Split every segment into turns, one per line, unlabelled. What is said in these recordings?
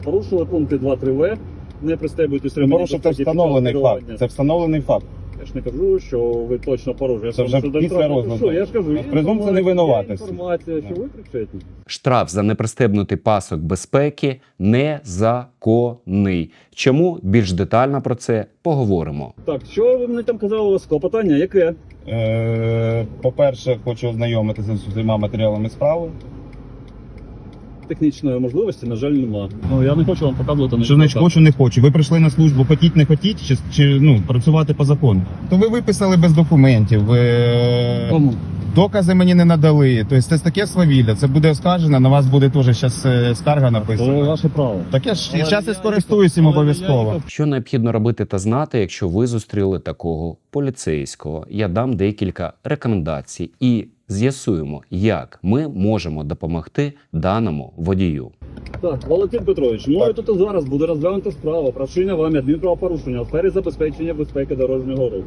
Порушили пункти 2-3В, не пристебуйтесь ремені.
Порушив, це встановлений факт. Це встановлений факт.
Я ж не кажу, що ви точно порушуєте.
Це вже після розгляду.
Я ж кажу,
Презумпція невинуватості.
інформація, що ви причетні.
Штраф за непристебнутий пасок безпеки незаконний. Чому? Більш детально про це поговоримо.
Так, що ви мені там казали, у вас клопотання? Яке?
По-перше, хочу ознайомитися з усіма матеріалами справи.
Технічної можливості, на жаль, нема. Ну, я не хочу вам показувати.
Що значить хочу, не хочу? Ви прийшли на службу, хотіть, не хотіть, чи працювати по закону? То ви виписали без документів,
Кому?
докази мені не надали. Тобто це таке свавілля, це буде оскаржено, на вас буде теж зараз скарга
Це
написана.
ваше право.
Так я ж зараз і скористуюсь їм обов'язково.
Що необхідно робити та знати, якщо ви зустріли такого поліцейського? Я дам декілька рекомендацій і з'ясуємо, як ми можемо допомогти даному водію.
Так, Валентин Петрович, мною тут і зараз буде розглянута справа про вчинення вами адмінправопорушення у сфері забезпечення безпеки дорожнього руху.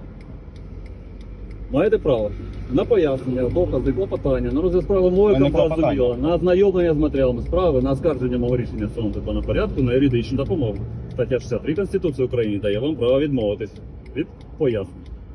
Маєте право на пояснення, докази, клопотання, на розгляд справи мою
Мене
зрозуміло,
клопотання.
на ознайомлення з матеріалами справи, на оскарження мого рішення в цьому законному порядку, на юридичну допомогу. Стаття 63 Конституції України дає вам право відмовитись від пояснень.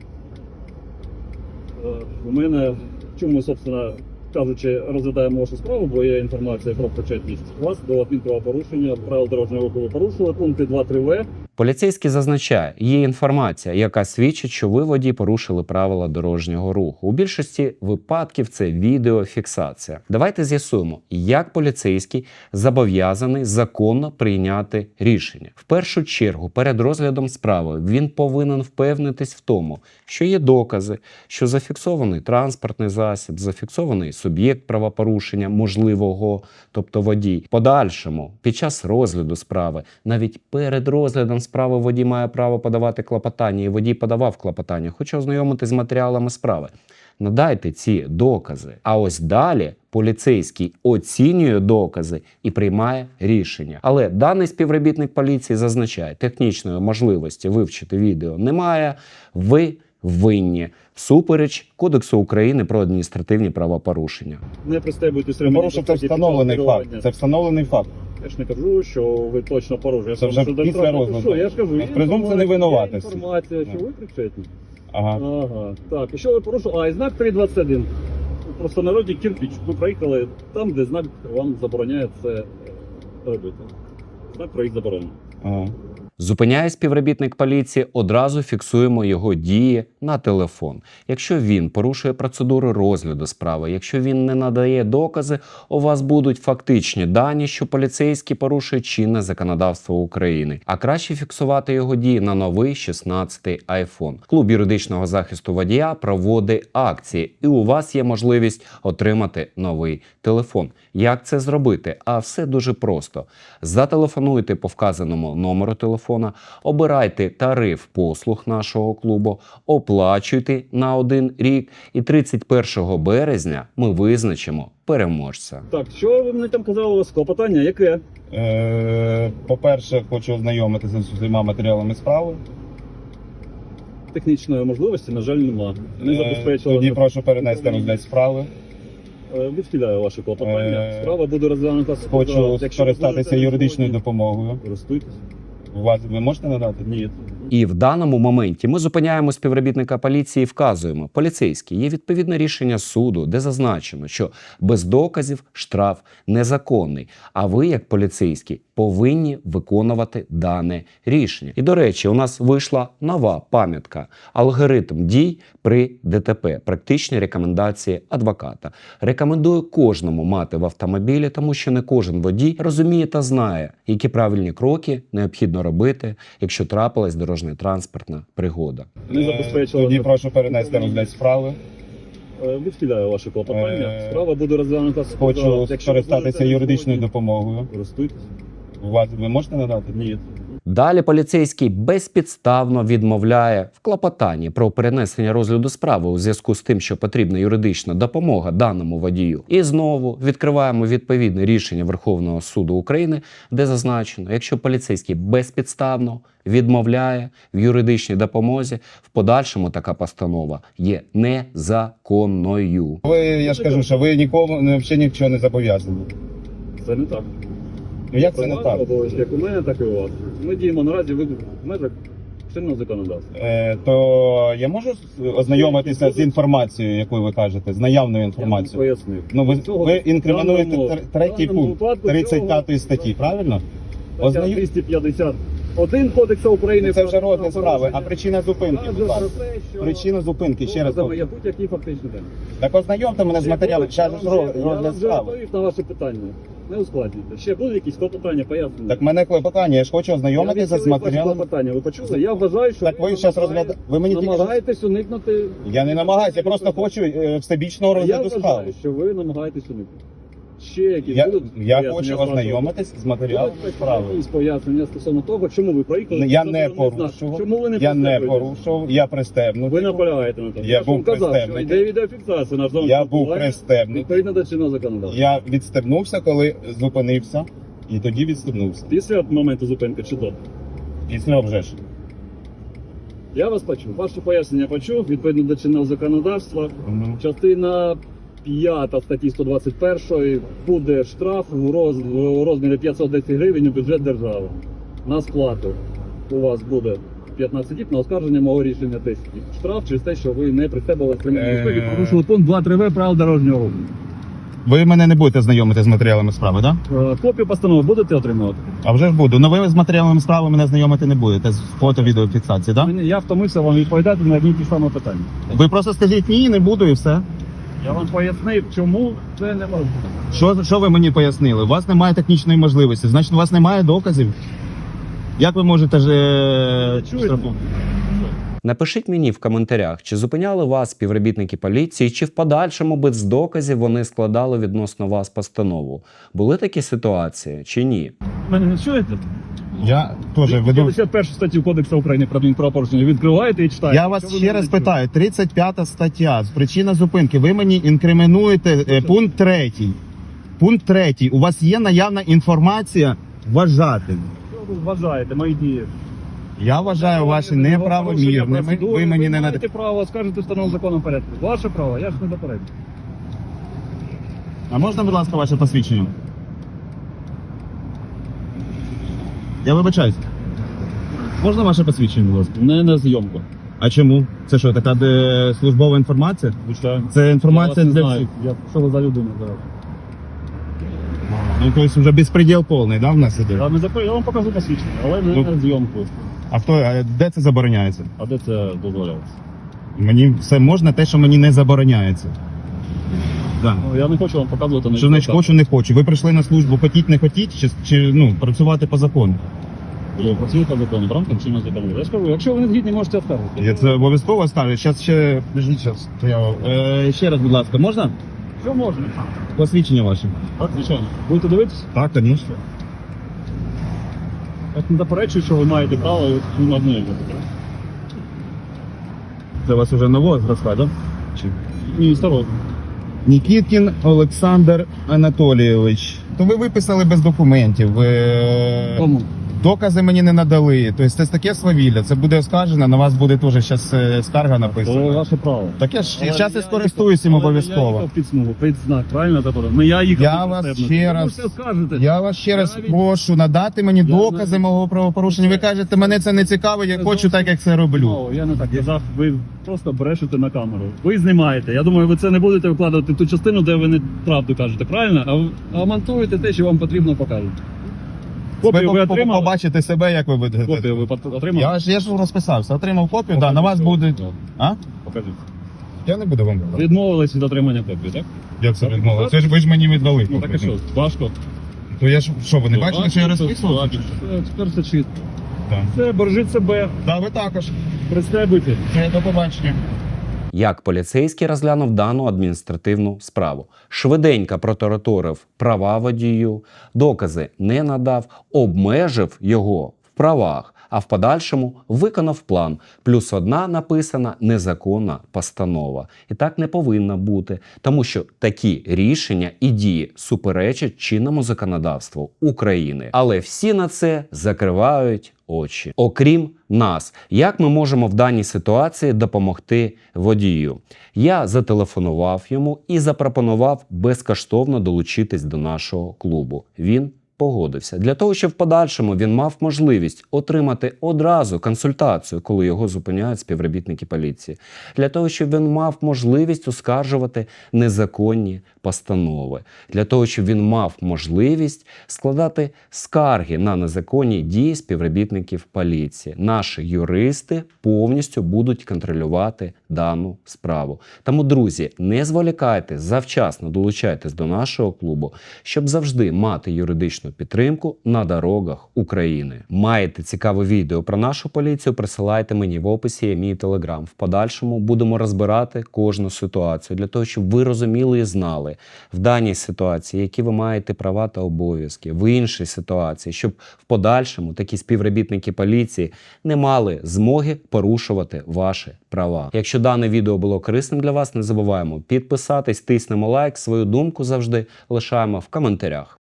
У мене, чому, собственно кажучи, розглядаємо вашу справу, бо є інформація про причетність вас до адмінправопорушення, правил дорожнього руху ви порушили, пункти 2-3В.
Поліцейський зазначає, є інформація, яка свідчить, що ви, водій, порушили правила дорожнього руху. У більшості випадків це відеофіксація. Давайте з'ясуємо, як поліцейський зобов'язаний законно прийняти рішення. В першу чергу, перед розглядом справи він повинен впевнитись в тому, що є докази, що зафіксований транспортний засіб, зафіксований суб'єкт правопорушення можливого, тобто водій. В подальшому, під час розгляду справи, навіть перед розглядом справи водій має право подавати клопотання, і водій подавав клопотання, хоче ознайомитись з матеріалами справи. Надайте ці докази. А ось далі поліцейський оцінює докази і приймає рішення. Але даний співробітник поліції зазначає, технічної можливості вивчити відео немає, ви винні. Всупереч Кодексу України про адміністративні правопорушення.
Не пристебуйтесь ремені.
Порушив, це встановлений факт. Це встановлений факт.
Я ж не кажу, що ви точно порушуєте.
Це вже після розгляду.
Я ж кажу,
Презумпція невинуватості.
інформація, що ви причетні.
Ага.
Ага. Так, і що ви порушили? І знак 3.21. Просто в народі кирпич. Ви проїхали там, де знак вам забороняє це робити. Знак про їх заборону.
Ага.
Зупиняє співробітник поліції, одразу фіксуємо його дії на телефон. Якщо він порушує процедуру розгляду справи, якщо він не надає докази, у вас будуть фактичні дані, що поліцейський порушує чинне законодавство України. А краще фіксувати його дії на новий 16-й iPhone. Клуб юридичного захисту водія проводить акції, і у вас є можливість отримати новий телефон. Як це зробити? А все дуже просто. Зателефонуйте по вказаному номеру телефона, обирайте тариф послуг нашого клубу, оплачуйте на 1 рік, і 31 березня ми визначимо переможця.
Так, що ви мені там казали, у вас клопотання? Яке?
По-перше, хочу ознайомитися з усіма матеріалами справи.
Технічної можливості, на жаль, нема. Не забезпечили.
Тоді прошу перенести розгляд справи.
Відхиляю ваше клопотання. Справа буде розглянута.
Хочу скористатися юридичною допомогою.
Користуйтесь.
Ви можете надати?
Ні.
І в даному моменті ми зупиняємо співробітника поліції і вказуємо: поліцейський, є відповідне рішення суду, де зазначено, що без доказів штраф незаконний, а ви, як поліцейський, повинні виконувати дане рішення. І, до речі, у нас вийшла нова пам'ятка «Алгоритм дій при ДТП. Практичні рекомендації адвоката». Рекомендую кожному мати в автомобілі, тому що не кожен водій розуміє та знає, які правильні кроки необхідно робити, якщо трапилась дорожньо-транспортна пригода.
Не забезпечили.
Тоді прошу перенести розгляд справи.
Відхиляю ваше клопотання. Справа буде розглянута.
Хочу скористатися юридичною допомогою.
Користуйтесь.
Ви можете надати?
Ні.
Далі поліцейський безпідставно відмовляє в клопотанні про перенесення розгляду справи у зв'язку з тим, що потрібна юридична допомога даному водію. І знову відкриваємо відповідне рішення Верховного суду України, де зазначено, якщо поліцейський безпідставно відмовляє в юридичній допомозі, в подальшому така постанова є незаконною.
Я ж кажу, що ви нікому взагалі нічого не зобов'язані.
Це не так.
Ну як це не так?
Обов'язки як у мене, так і у вас. Ми діємо наразі в межах чинного законодавства.
То я можу ознайомитися з інформацією, яку ви кажете, з наявною
Я вам
інформацією?
пояснив.
Ну ви
Цього-
інкримінуєте
в
третій
даному
пункт
випадку
35 статті, правильно?
Стаття
Ознайом-
251 Кодексу України.
Це вже
про
розгляд справи. А
правопорушення.
причина зупинки,
Каже
будь ласка.
про те, що
Причина зупинки, ще раз.
доказами є будь-який фактичний день.
Так ознайомте мене з матеріалом,
Я
зараз
вам
ж
вже
розгляд справи.
відповів на ваше питання. Не ускладнюйте. Ще будуть якісь клопотання, пояснення?
Так мене клопотання, я ж хочу ознайомитися з матеріалом.
Питання. Ви почули? Я вважаю, що
Так ви зараз розглядаєте. Ви мені тільки що-
намагаєтесь уникнути.
Я не намагаюся, я просто хочу всебічного
Я
розгляду справи.
вважаю, що ви намагаєтесь уникнути. Ще якісь
Я
будуть
хочу
пояснення з вашого
ознайомитись з матеріалом
Будуть
справи.
якісь пояснення стосовно того, чому ви проїхали.
Я
Це
не
ви знаєте.
порушував.
Чому ви не
Я не
пристебуєтесь?
порушував, я пристебнутий.
Ви наполягаєте на тому.
Я
ж вам
був
казав, що
пристебнутий.
йде відеофіксація на зону
Я був пристебнутий.
відповідно до чинного законодавства.
Я відстебнувся, коли зупинився, і тоді відстебнувся.
Після моменту зупинки чи до?
Після вже ж.
Я вас почув. Ваше пояснення почув, відповідно до чинного законодавства. Частина 5 статті 121 буде штраф у розмірі 510 гривень у бюджет держави. На сплату у вас буде 15 діб, на оскарження мого рішення 10 діб. Штраф через те, що ви не пристебували кримінальну безпеки, порушили пункт 2.3в правил дорожнього руху.
Ви мене не будете знайомити з матеріалами справи, так?
Копію постанови будете отримувати?
А вже ж буду. Но ви з матеріалами справи мене знайомити не будете з фото-відеофіксації, так?
Я втомився вам відповідати на одні й ті самі питання.
Ви просто скажіть ні, не буду і все.
Я вам пояснив, чому це не можна.
Що ви мені пояснили? У вас немає технічної можливості, значить у вас немає доказів. Як ви можете ж
Чуєте?
штрафувати?
Напишіть мені в коментарях, чи зупиняли вас співробітники поліції, чи в подальшому без доказів вони складали відносно вас постанову. Були такі ситуації чи ні?
Мене не чуєте?
Я теж веду.
51 статтю Кодексу України про адмінправопорушення відкриваєте і читаєте.
Я вас ще раз питаю, 35 стаття, причина зупинки. Ви мені інкримінуєте пункт 3. Пункт 3. У вас є наявна інформація вважати.
Що ви вважаєте, мої дії?
Я вважаю ваші неправомірними. Ви мені не
маєте право скажете встановленому законом порядку. Ваше право, я ж не заперечую.
А можна, будь ласка, ваше посвідчення? Я вибачаюсь. Можна ваше посвідчення, будь ласка?
Не на зйомку.
А чому? Це що, така службова інформація?
Звичайно.
Це інформація для всіх.
Що ви за людина зараз?
Ну, тобто вже безпреділ повний, да, в нас іде?
Я вам покажу посвідчення, але не
Ну.
на зйомку.
А де це забороняється?
А де це дозволяється?
Мені все можна, те, що мені не забороняється. Да.
Ну, я не хочу вам показувати на
Що значить
відео.
хочу, не хочу. Ви прийшли на службу, хотіть, не хотіть, чи працювати по закону?
Ви працюєте по закону, в рамках чинного законодавства. Я ж кажу, якщо ви не згідні, можете оскаржити.
Я це обов'язково скажу. Зараз ще. Подождіть, зараз. Ще раз, будь ласка, можна?
Що можна?
Посвідчення ваше.
Так, звичайно. Будете дивитися?
Так, звісно.
Я не заперечую, що ви маєте право на одне.
Це у вас вже нового зросла, так?
Ні, старого.
Нікіткін Олександр Анатолійович. То ви виписали без документів.
Кому?
Докази мені не надали. Тобто це таке свавілля. Це буде оскаржено, на вас буде теж зараз скарга
Це
написана.
ваше право.
Так я ж
Але
зараз
я
і скористуюсь їм
їхав- але
обов'язково.
Я їхав під смугу, під знак, правильно? Тобто, ну, я їхав
Я
під
вас
пристебнутий.
ще
Ви
раз-
можете скажете.
Я вас ще раз
Навіть-
прошу надати мені
Я
докази
навіть-
мого правопорушення. Ви кажете, мене це не цікаво, я
Це
хочу так, як це роблю.
Ну, я не так казав, ви просто брешете на камеру. Ви знімаєте. Я думаю, ви це не будете викладати в ту частину, де ви не правду кажете, правильно? А монтуєте те, що вам потрібно показати. Копію ви отримали?
Побачите себе, як ви будете.
Копію ви отримали?
Я ж розписався, отримав копію, да, на вас буде. А?
Покажіть.
Я не буду вам давати.
Відмовились від отримання копії, так?
Як це відмовили? Це ж ви ж мені віддали.
Ну так і
копію.
що, важко.
То я ж що, ви не бачили, що я розписував?
Важко. Тепер це чисто.
Так.
Все, бережіть себе,
Да, ви також.
пристебуйте.
Все, до побачення.
Як поліцейський розглянув дану адміністративну справу. Швиденько протараторив права водію, докази не надав, обмежив його в правах, а в подальшому виконав план. Плюс одна написана незаконна постанова. І так не повинно бути, тому що такі рішення і дії суперечать чинному законодавству України. Але всі на це закривають очі. Окрім нас, як ми можемо в даній ситуації допомогти водію? Я зателефонував йому і запропонував безкоштовно долучитись до нашого клубу. Він погодився. Для того, щоб в подальшому він мав можливість отримати одразу консультацію, коли його зупиняють співробітники поліції. Для того, щоб він мав можливість оскаржувати незаконні постанови. Для того, щоб він мав можливість складати скарги на незаконні дії співробітників поліції. Наші юристи повністю будуть контролювати дану справу. Тому, друзі, не зволікайте, завчасно долучайтесь до нашого клубу, щоб завжди мати юридичну підтримку на дорогах України. Маєте цікаве відео про нашу поліцію, присилайте мені в описі, є мій телеграм. В подальшому будемо розбирати кожну ситуацію для того, щоб ви розуміли і знали в даній ситуації, які ви маєте права та обов'язки, в іншій ситуації, щоб в подальшому такі співробітники поліції не мали змоги порушувати ваші права. Якщо дане відео було корисним для вас, не забуваємо підписатись, тиснемо лайк, свою думку завжди лишаємо в коментарях.